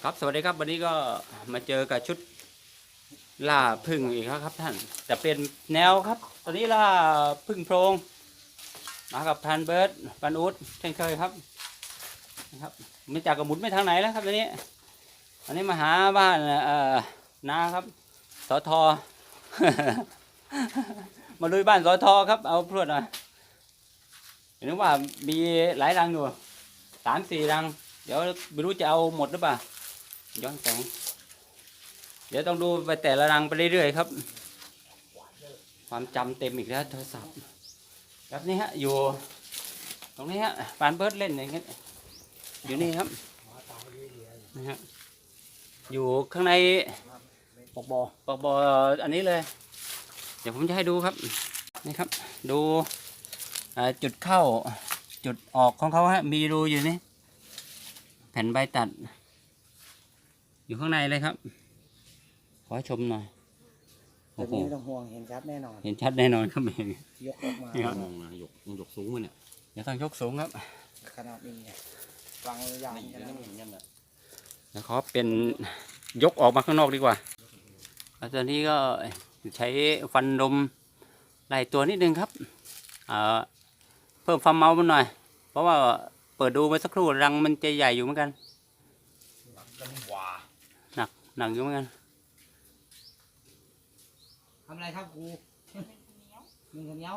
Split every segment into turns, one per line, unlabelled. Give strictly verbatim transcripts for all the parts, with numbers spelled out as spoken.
ครับสวัสดีครับวันนี้ก็มาเจอกับชุดล่าพึ่งอีกแล้วครับท่านแต่เป็นแนวครับตอนนี้ล่าพึ่งโพรงมากับพันเบิร์ดปันอุดเช่นเคยครับนะครับไม่จากกระหมุนไม่ทางไหนแล้วครับตอนนี้อันนี้มาหาบ้านเอ่อนาครับสอทอ มาลุยบ้านสอทอครับเอาพรวดหน่อยเห็นว่ามีหลายรังอยู่สามสี่รังเดี๋ยวไม่รู้จะเอาหมดหรือเปล่าย้อนแสงเดี๋ยวต้องดูไปแต่ละรังไปเรื่อยๆครับความจำเต็มอีกแล้วโทรศัพท์ครับนี่ฮะอยู่ตรงนี้ฮะปานเบิร์ดเล่นอย่างเงี้ยอยู่นี่ครับนะฮะอยู่ข้างในปอกบอปอกบออันนี้เลยเดี๋ยวผมจะให้ดูครับนี่ครับดูจุดเข้าจุดออกของเขาฮะมีรูอยู่นี่แผ่นใบตัดอยู่ข้างในเลยครับขอชมหน่อย
โอ้โหไม่ต้องห่วงเห็นชัดแน่นอน
เห็นชัดแน่นอนครับเอง
ยกออกมาม
องนะยกยกสูงเลยเนี่ยอย่าต้องยกสูงครับ
ขนาดนี้ไงวางยาวขนาดนี้
แล้วเขาเป็นยกออกมาข้างนอกดีกว่าแล้วตอนนี้ก็ใช้ฟันลมไล่ตัวนิดนึงครับเพิ่มความเมามันหน่อยเพราะว่าเปิดดูไปสักครู่รังมันจะใหญ่อยู่เหมือนกันหนักหนักอยู่เหมือนกัน
ทำอะไรครับครูนึ่งข้าวเหนียว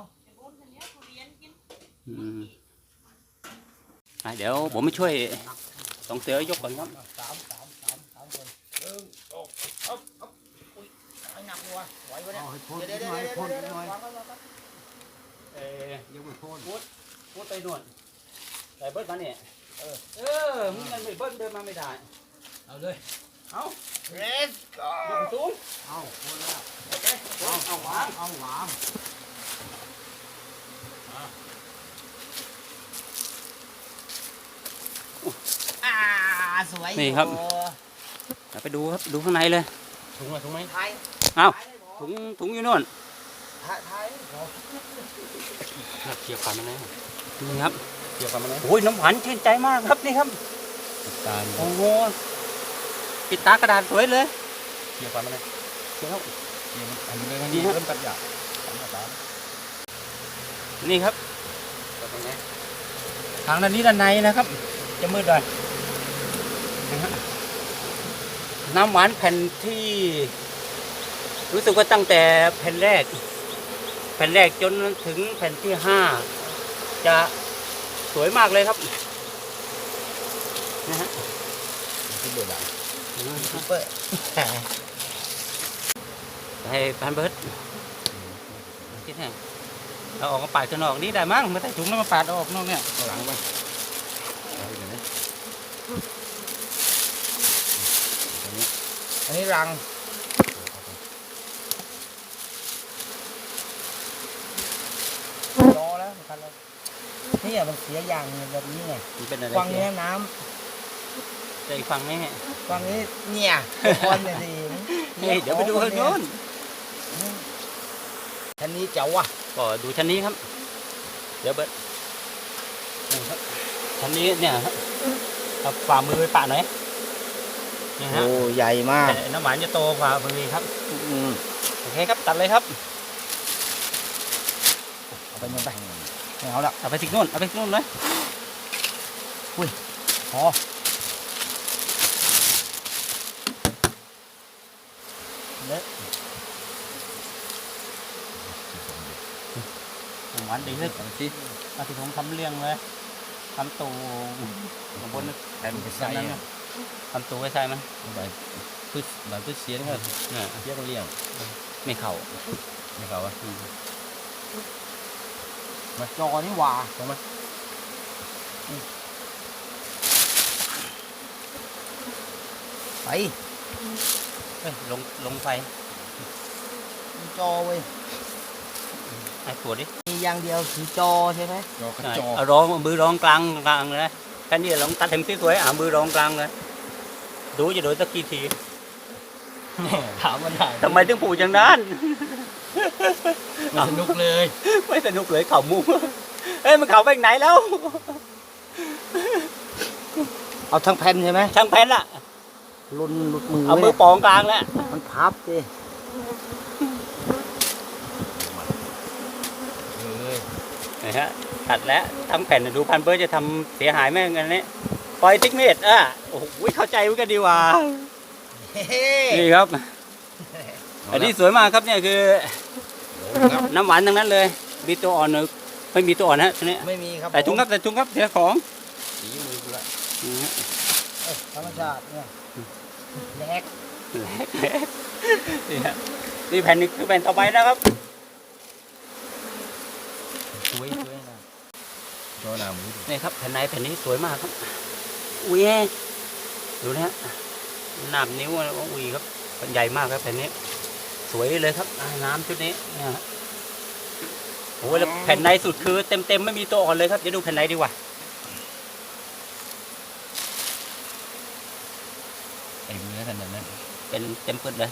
อืมเดี๋ยวผมมาช่วยสองเสือยกก่อนครับ
สามสามสามสามคนหนึ่งสองอ๊บอ๊บอุ้ยหนักเลยไหวไหมเนี่ยเดี๋ยวเดี๋ยวเดี๋ยวเดี๋ยวเดี๋ยว
เออยังไม่พ้นพูดพูดไปด่วนใส่เบิร์ดมาเนี่ยเออเออมึงยังไม่เบิร์ดเดินมาไม่ได้
เอาเลย
เอา
เรส
ยกสูง
เอาคนละ
โอเคเอาเอาหวาน
เอาหวานอ่าสวย
นี่ครับไปดูครับดูข้างในเลย
ถุงอะไรถุงไหมไทย
เอาถุงถุงอยู่นู่น
ไทย
เกี่ยวกันมาแล้วนี่ครับเกี่ยวกันมาแล้วโอ้ยน้ำหวานชื่นใจมากครับนี่ครับโอ้โหปิดตากระดาษสวยเลย
เกี่ยวกันมาเลย
เกี่ยว
อันนี้เลยนี่เริ่มตัดหยาบ
นี่ครับทางด้านนี้ด้านในนะครับจะมืดเลยน้ำหวานแผ่นที่รู้สึกว่าตั้งแต่แผ่นแรกแผ่นแรกจนถึงแผ่นที่ห้าจะสวยมากเลยครับนะฮะ
ซุปเปอร์ดังซุปเปอร์
ให้พันเบิร์ดคิดไงเราออกมาปาดข้างนอกนี้ได้มั้งไม่ใส่ถุงแล้วมาปาดออกนอกเนี่ย
หลังไปอันนี้รังรอแล้วคันแล้วนี่อ่ะมันเสียอย่างแบบนี้ไงฟังนี้น้
ำใจฟังไหม
ฟังนี้เนี่ยคนเนี่ยดี
เดี๋ยวไปดูข้างโน้น
ชั้นนี้เจ๋วว่ะ
ก็ดูชั้นนี้ครับเดี๋ยวเบิร์ดชั้นนี้เนี่ยเอาฝ่ามือไปปะหน่อย
โอ้ใหญ่มาก
น้ำหวานจะโตกว่ามือครับโอเคครับตัดเลยครับ
เอาไปโน่นไปไม่เอาละ
เอาไปทิ้งโน่นเอาไปทิ้งโน่นเลย
อุ้ยพอเละ
หวานดีเลยสิมาที่ผมทำเลี้ยงเลยทำตูข้างบน
แผ่นไปใส่
ทำตูไว้ใส่มัน
ใบพืชใบพืชเสียนครับเสียนเลี้ยง
ไม่เข่า
ไม่เข่าอ่ะมาจอนี่หว่าถูกไหมไป
ลงลงไฟ
จอเว้ย
ไอ้ปวดดิ
มีอย่างเดียวคือจอใช่ไหม
จอจอร้องมือร้องกลางกลางเลยแค่นี้ลองตัดเต็มที่สวยอ่ะมือร้องกลางเลยดูจะโดนสักกี่ที
ถามมันได้
ทำไมถึงผูกอย่างนั้น
ไม่สนุกเลย
ไม่สนุกเลยเข่ามุ้งเอ้ยมันเข่าไปไหนแล้ว
เอาทั้งแผ่นใช่ไหม
ทั้งแผ่นละ
ลุนหลุดมือ
เอามือปองกลางแล้ว
มันพับดิเฮ้ย
นะฮะตัดแล้วทั้งแผ่นดูพันเบิร์ดจะทำเสียหายไหมกันนี้ปล่อยติ๊กเมตรอ่ะโอ้โหเข้าใจไว้กันดีว่า
เฮ้
นี่ครับ อันนี้สวยมากครับเนี่ยคือ
ครับ
น้ำหวานทั้งนั้นเลยมีตัวอ่อนหรือไม่มีตัวอ่อนฮะทีนี้
ไม่มีครับ
ใส่ถุงครับใส่ถุงครับเสียของ
สีมือกูละ
นี่ฮะ
เอ้ยธรรมชาติเนี่ยแลก
นี่ฮะนี่แผ่นนี้คือแผ่นต่อไปนะครับ
สวยสวยนะจอหนามือ
นี่ครับแผ่นในแผ่นนี้สวยมากครับอุ้ยดูนะฮะหนาบนิ้วอะไรก็อุ้ยครับใหญ่มากครับแผ่นนี้ สวยเลยครับอ่าน้ำชุดนี้เนี่ยฮะโอ้ยแล้วแผ่นในสุดคือเต็มเต็มๆไม่มีตัวอ่อนเลยครับเดี๋ยวดูแผ่นในดีกว่า
ไอ้เนื้อขนาดนั้น
เป็นเต็มปึดเลย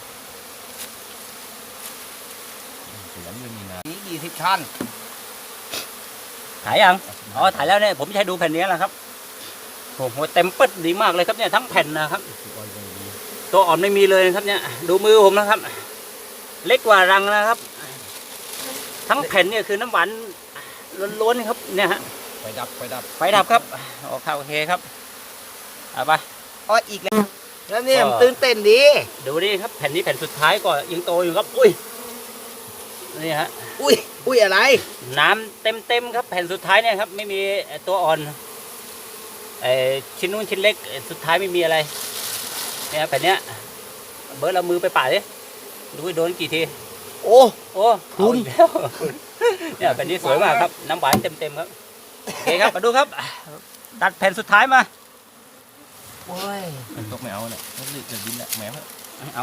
สวนไม่มีน้ำนี่ยี่สิบชั้น
ถ่ายยังอ๋อถ่ายแล้วเนี่ยผมจะให้ดูแผ่นนี้แหละครับโอ้โหเต็มปึดดีมากเลยครับเนี่ยทั้งแผ่นนะครับ ตัวอ่อนไม่มีเลยนะครับเนี่ยดูมือผมนะครับ เล็กกว่ารังนะครับ ทั้งแผ่นเนี่ยคือน้ำหวานล้วนๆครับเนี่ยฮะ
ไฟดับไฟดับ
ไฟดับครับโอเคโอเคครับเอาไป
อ๋ออีกแล้วแล้วเนี่ย
ก็
มันตื่นเต้นดี
ดูดิครับแผ่นนี้แผ่นสุดท้ายก็ยังโตอยู่ครับอุ้ยนี่ฮะ
อุ้ยอุ้ยอะไร
น้ำเต็มเต็มๆครับแผ่นสุดท้ายเนี่ยครับไม่มีตัวอ่อนไอชิ้นนู้นชิ้นเล็กสุดท้ายไม่มีอะไรเนี่ยแผ่นเนี้ยเบิร์ดเอามือไปป่าดิดูว่าโดนกี่ที
โอ้
โอ้
คุณ
เอาอีกแล้วเนี่ยแผ่นนี้สวยมากครับน้ำหวานเต็มเต็มๆครับโอเคครับมาดูครับตัดแผ่นสุดท้ายมา
โอ้ย
ตกไม่เอาเนี่ยมันลึกจะดินแหละแหมว
เอา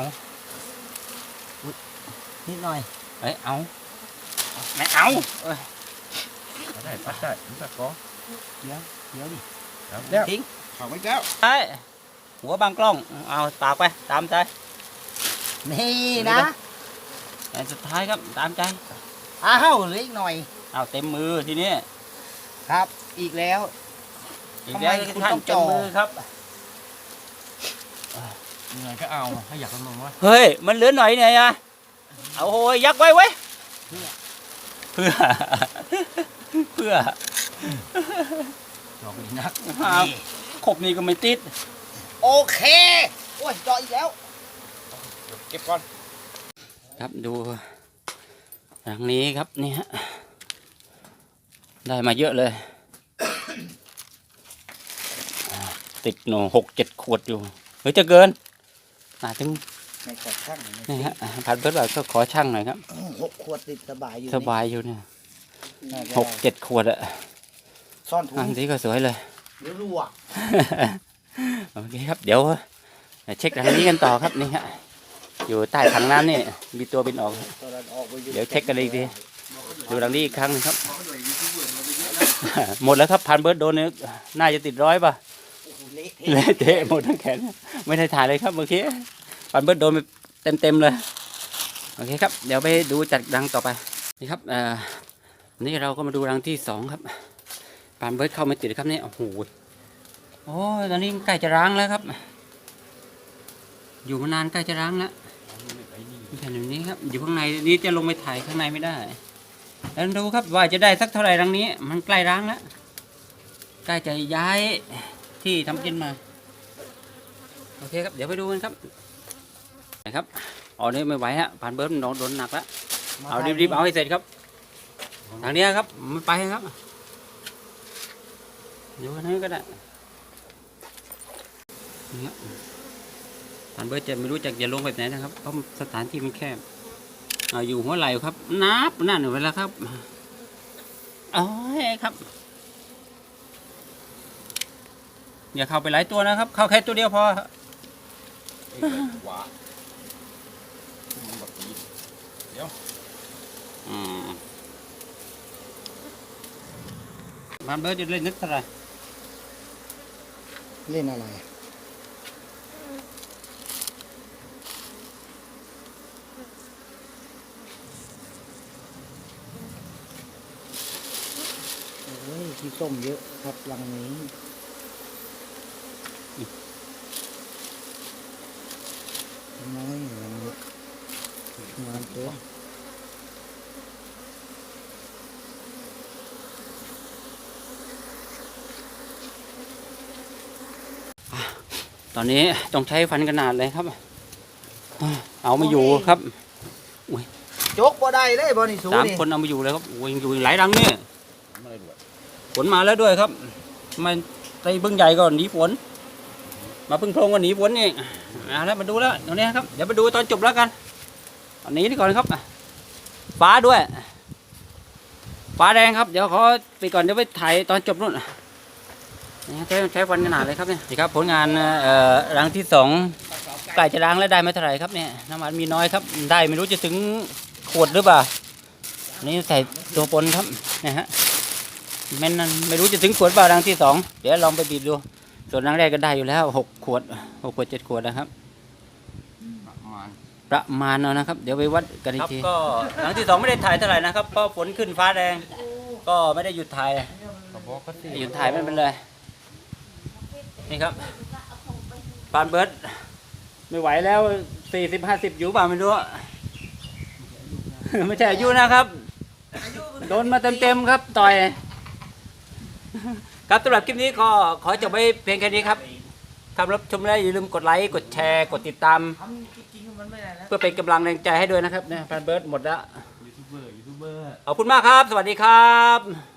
นิดหน่อย
เอ้ยเอาไม่เอาเอ้ย
ได้ปัดได้มันปัดก้อ
เดี๋ยวเดี๋ยวดิ
เอาแล้ว
ทิ้ง
เอาไว้แล้ว
ใช่หัวบางกล้องเอาตากไปตามใจ
นี่นะ
แผ่นสุดท้ายครับตามใจ
อ้าวเหลืออีกหน่อย
เอาเต็มมือทีนี้
ครับ อีกแล้ว
อีกแล้ว
ทำไมคุณ
ท่าน
ต้อง
เต็
จ่
ม
อ
มือครับ
ยังไงก็เอาให้อยากลงวะ
เฮ้ยมันเหลือหน่อยเนี่ยนะเอาโหยยักไว้ไว้ยเพื่อเพื่อ
จอกอีกนัก
เอาขบนี่ก็ไม่ติด
โอเค โอ้ยเจาะอีกแล้ว
เก็บก่อน
ครับดูทางนี้ครับนี่ฮะได้มาเยอะเลย ติดหนูหกเจ็ดขวดอยู่เฮ้ยจะเกินอ่าถึง
ในกระช่าง
นี่ฮะพันเบิร์ดบอกก็ขอช่างหน่อยครับ
หกขวดติดสบายอยู่
สบายอยู่เนี่ย
นี่
หกเจ็ดขวดอะ
ซ่อนถุง
อันนี้ก็สวยเลย
เดี๋ยวรั่ว
โอเคครับเดี๋ยวเช็คทางนี้กันต่อครับนี่ฮะอยู่ใต้ถังน้ำนี่มีตัวบินออก
ตอนนั้นออกไปอ
เดี๋ยวเช็คกันอีกทีดูทางนี้อีกครั้งหนึงครับ หมดแล้วครับพันเบิร์ดโดนเนี่ยน่าจะติดร้อยป่ะ
โอ้โหเละ
เละเทะหมดทั้งแขนไม่ได้ถ่ายเลยครับเมื่อกี้พันเบิร์ดโดนไปเต็มเต็มๆเลยโอเคครับเดี๋ยวไปดูจัดรังต่อไปนี่ครับเอ่อนี่เราก็มาดูรังที่สองครับพันเบิร์ดเข้าไม่ติดครับนี่โอ้โหโอ้ยตอนนี้ใกล้จะร้างแล้วครับ อยู่มานานใกล้จะร้างแล้วแผ่นแบบนี้ครับอยู่ข้างในนี้จะลงไปถ่ายข้างในไม่ได้แล้วดูครับว่าจะได้สักเท่าไหร่รังนี้ มันใกล้ร้างแล้วใกล้จะย้ายที่ทำกินมาโอเคครับเดี๋ยวไปดูกันครับนะครับอ๋อนี่ไม่ไหวฮะผ่านเบิร์ดโดนโดนหนักแล้วเอารีบๆเอาให้เสร็จครับทางนี้ครับไม่ไปครับอยู่ทางนี้ก็ได้นี่ครับผ่านเบิร์ดจะไม่รู้จักจะลงแบบไหนนะครับเพราะสถานที่มันแคบเอาอยู่หัวไหล่ครับนับนั่นเวลาครับอ๋อครับอย่าเข้าไปหลายตัวนะครับ เข้าแค่ตัวเดียวพอ
หวามันแบบนี้
อืมมันเบิร์ดจะเล่นนึกเท่าไหร่
เล่นอะไรโอ้ยที่ส้มเยอะครับรังนี้
ตอนนี้ต้องใช้ฟันขนาดเลยครับ เอาไม่อยู่ครับ
จกบ่ได้เลยบ่นี่สู
สาม
นี่
คนเอาไม่อยู่เลยครับโอ้ยยังอยู่อีกหลายรังเนี่ย
ไม่ได้ด้วย
ฝนมาแล้วด้วยครับมันตีพึ่งใหญ่ก่อนหนีฝน มาพึ่งโพรงก็หนีฝนนี่เอาแล้วมาดูแล้วตรงนี้ครับเดี๋ยวมาดูตอนจบแล้วกันตอนนี้นี่ก่อนครับฟ้าด้วย ฟ้าแดงครับเดี๋ยวขอไปก่อนเดี๋ยวไปถ่ายตอนจบนู่นนี่ใช้ใช้ฟันขนาดเลยครับเนี่ยนี่ครับผลงานเอ่อรังที่สองใกล้จะล้างแล้วได้ไม่เท่าไหร่ครับเนี่ยน้ำมันมีน้อยครับได้ไม่รู้จะถึงขวดหรือเปล่าอันนี่ใส่ตัวปนครับนะฮะแม่นนั่นไม่รู้จะถึงขวดเปล่ารังที่สองเดี๋ยวลองไปบีบดูส่วนรังแรกก็ได้อยู่แล้วหกขวดหกขวดเจ็ดขวดนะครับ
ประมาณ
ประมาณนั้นนะครับ เดี๋ยวไปวัดกันอีกทีก็หลังที่สองไม่ได้ถ่ายเท่าไหร่นะครับเพราะฝนขึ้นฟ้าแดงก็ไม่ได้หยุดถ่าย
กระบอกก็สี่
หยุดถ่ายไม่เป็นไรนี่ครับปานเบิร์ดไม่ไหวแล้วสี่สิบห้าสิบอยู่เปล่าไม่รู้ ไม่ใช่อายุนะครับ โดนมาเต็มๆครับต่อย ครับสำหรับคลิปนี้ก็ขอจบไว้เพียงแค่นี้ครับถ้ารับชมแล้วอย่าลืมกดไลค์กดแชร์กดติดตาม
ทำจริงๆมันไม่ได้แล้ว
เพื่อเป็นกำลังแรงใจให้ด้วยนะครับเนี่ยปานเบิร์ดหมดแล้ว
ยูทูบเบอร์ยูทูบเบอร์
ขอบคุณมากครับ สวัสดีครับ